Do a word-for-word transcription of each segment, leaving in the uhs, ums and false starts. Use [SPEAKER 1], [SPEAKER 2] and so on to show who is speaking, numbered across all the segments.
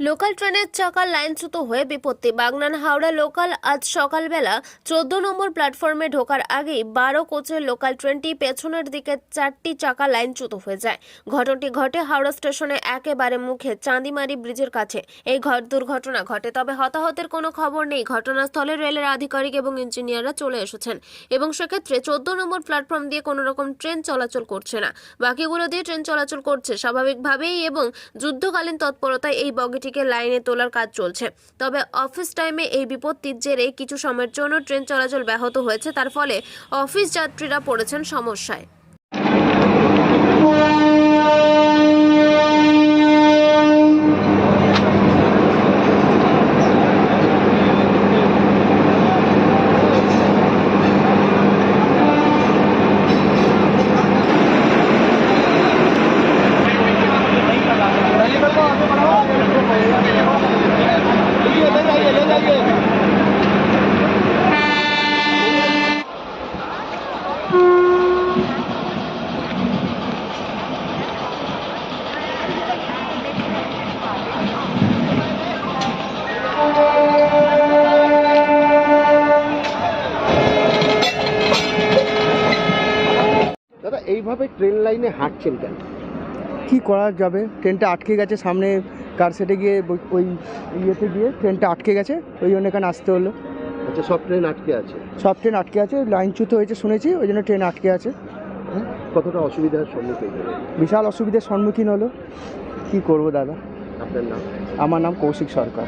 [SPEAKER 1] Local ট্রেনের চাকা লাইনচ্যুত হয়ে বিপত্তি। বাগনান হাওড়া লোকাল আজ সকালবেলা চোদ্দ নম্বর প্ল্যাটফর্মে ঢোকার আগেই বারো কোচের লোকাল ট্রেনটি পেছনের দিকে চারটি চাকা লাইনচ্যুত হয়ে যায়। ঘটনাটি ঘটে হাওড়া স্টেশনে একেবারে মুখে চাঁদিমারি ব্রিজের কাছে। এই দুর্ঘটনা ঘটে, তবে হতাহতের কোনো খবর নেই। ঘটনাস্থলে রেলের আধিকারিক এবং ইঞ্জিনিয়াররা চলে এসেছেন এবং সেক্ষেত্রে চোদ্দ নম্বর প্ল্যাটফর্ম দিয়ে কোনো রকম ট্রেন চলাচল করছে না, বাকিগুলো দিয়ে ট্রেন চলাচল করছে স্বাভাবিকভাবেই এবং যুদ্ধকালীন তৎপরতায় এই বগিটি লাইনে তোলার কাজ চলছে। তবে অফিস টাইমে এই বিপত্তির জেরে কিছু সময়ের জন্য ট্রেন চলাচল ব্যাহত হয়েছে, তার ফলে অফিস যাত্রীরা পড়েছেন সমস্যায়।
[SPEAKER 2] দাদা, এইভাবে ট্রেন লাইনে হাঁটছেন কেন?
[SPEAKER 3] কি করা যাবে, ট্রেনটা আটকে গেছে সামনে কার সেটে গিয়ে, ওই ইয়েতে গিয়ে ট্রেনটা আটকে গেছে, ওই জন্য এখানে আসতে হলো।
[SPEAKER 2] আচ্ছা, সব ট্রেন আটকে আছে?
[SPEAKER 3] সব ট্রেন আটকে আছে, লাইনচ্যুত হয়েছে শুনেছি, ওই জন্য ট্রেন আটকে আছে।
[SPEAKER 2] কতটা অসুবিধার সম্মুখীন হলো?
[SPEAKER 3] বিশাল অসুবিধার সম্মুখীন হলো। কি করব দাদা?
[SPEAKER 2] আপনার নাম?
[SPEAKER 3] আমার নাম কৌশিক সরকার।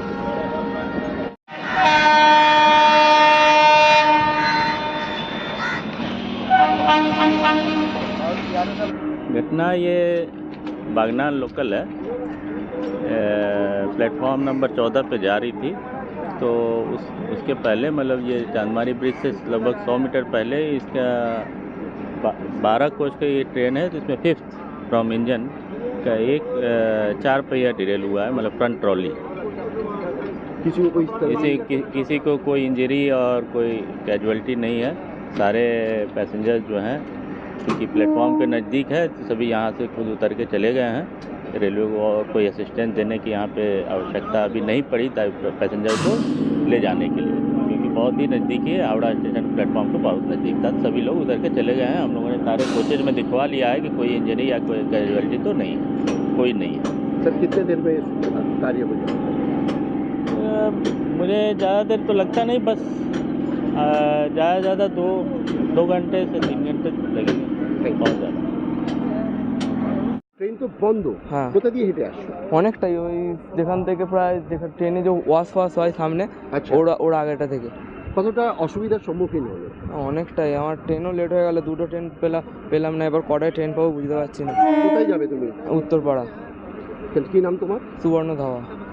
[SPEAKER 4] घटना ये बागनान लोकल है, प्लेटफॉर्म नंबर चौदह पे जा रही थी, तो उस उसके पहले मतलब ये चांदमारी ब्रिज से लगभग सौ मीटर पहले इसका बारह कोच का ये ट्रेन है, जिसमें फिफ्थ फ्रॉम इंजन का एक चार पहिया डिरेल हुआ है, मतलब फ्रंट ट्रॉली।
[SPEAKER 2] किसी को कोई
[SPEAKER 4] किसी कि, किसी को कोई इंजरी और कोई कैजुअल्टी नहीं है। सारे पैसेंजर जो हैं, क्योंकि प्लेटफॉर्म के नज़दीक है, तो सभी यहाँ से खुद उतर के चले गए हैं। रेलवे को और कोई असिस्टेंस देने की यहाँ पे आवश्यकता अभी नहीं पड़ी पैसेंजर को ले जाने के लिए, क्योंकि बहुत ही नज़दीकी है, हावड़ा स्टेशन प्लेटफॉर्म को बहुत नज़दीक था। सभी लोग उतर के चले गए हैं। हम लोगों ने सारे कोचेज में दिखवा लिया है कि कोई इंजरी या कोई कैजुअल्टी तो नहीं है, कोई नहीं है।
[SPEAKER 2] सर, कितने देर में कार्य हो जाएगा?
[SPEAKER 4] मुझे ज़्यादा देर तो लगता नहीं, बस ज़्यादा ज़्यादा दो दो घंटे से तीन घंटे लगेंगे, बहुत ज़्यादा।
[SPEAKER 2] ট্রেন তো বন্ধ,
[SPEAKER 3] হ্যাঁ।
[SPEAKER 2] কোথা দিয়ে হেঁটে আসছো?
[SPEAKER 3] অনেকটাই, ওই যেখান থেকে প্রায় যেখানে ট্রেনে যে ওয়াশ ওয়াশ হয় সামনে,
[SPEAKER 2] আচ্ছা,
[SPEAKER 3] ওরা ওরা আগেটা থেকে।
[SPEAKER 2] কতটা অসুবিধার সম্মুখীন হলো?
[SPEAKER 3] অনেকটাই, আমার ট্রেনও লেট হয়ে গেল, দুটো ট্রেন পেলাম পেলাম না, এবার কটায় ট্রেন পাবো বুঝতে পারছি না।
[SPEAKER 2] কোথায় যাবে তুমি?
[SPEAKER 3] উত্তরপাড়া।
[SPEAKER 2] কি নাম তোমার?
[SPEAKER 3] সুবর্ণ ধাওয়া।